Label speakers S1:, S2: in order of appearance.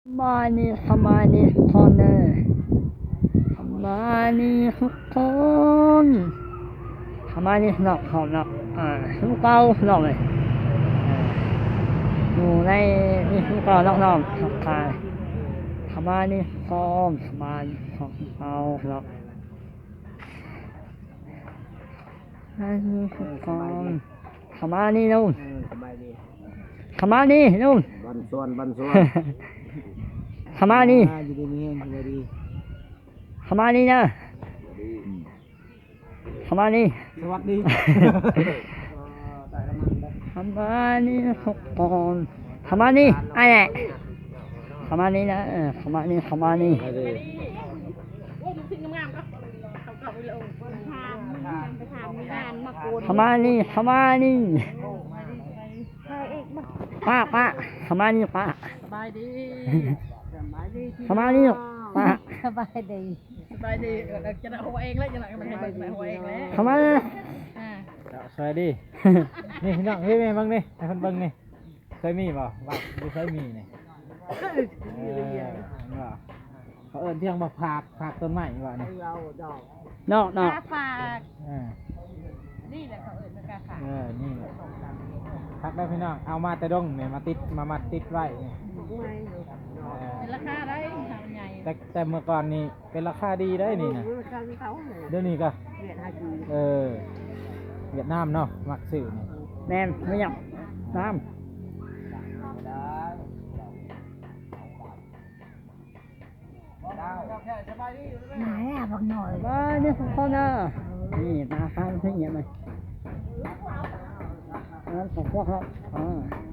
S1: มานี่ทำมานี่คอนเนอร์ทำมานี่ทุกคนทำมานี่หนักหอบหนักทุกเก้าหนักเลยอยู่ในนี่ทุกเก้าหนักหนักทักทายทำมานี่คอมทำมานี่ของเก้าหนักอันนี้ทุกคนทำมานี่นู่น
S2: สบายดี
S1: ทำมานี่นู่น
S2: บันส่วน
S1: ทำมานี่
S2: อยู่ดีมีแห้งสบายดี
S1: ทำมานี่นะทำมานี่
S2: สวัสดี
S1: ทำมานี่ทุกคนทำมานี่ไอ้เนี่ยทำมานี่นะทำมานี่ทำมานี่
S3: โอ้มึงทิ้งงามๆก็เขาไปเลยไปทำงานมาโกน
S1: ทำมานี่ทำมานี่ป้าทำมานี่ป้า
S3: สบายดี
S1: ทำมานี่ป้า
S3: สบายดีจะเอาหัวเองแล้วจะหนักมันให้เบิกหัวเองแล้ว
S1: ทำมา
S2: สวัสดีนี่พี่น้องพี่แม่บ้างนี่ให้คนเบิ่งนี่เคยมีบ่ว่าไม่เคยมีนี่เขาเอิ้นเที่ยงมาผากต้นไม้ว่านี่
S1: นอก
S3: กาฝากนี่แหละเขาเอ่ยกาฝาก
S2: นี่พักได้พี่น้องเอามาแต่ดงเนี่ยมาติดมามัดติดไว้นี่
S3: เป็นราคาได้ทำใหญ่
S2: แต่เมื่อก่อนนี่เป็นราคาดีได้นี่นะเดี๋ยวนี้ก็เวียดนามเนาะมักซื้อนี่
S1: แนนไม่อยากน้ำ
S3: ไหนอ่ะบอกหน่อย
S1: มานี่ทุกคนนะนี่ตาข้างที่เงี้ยไหมนั่นของพวกเขา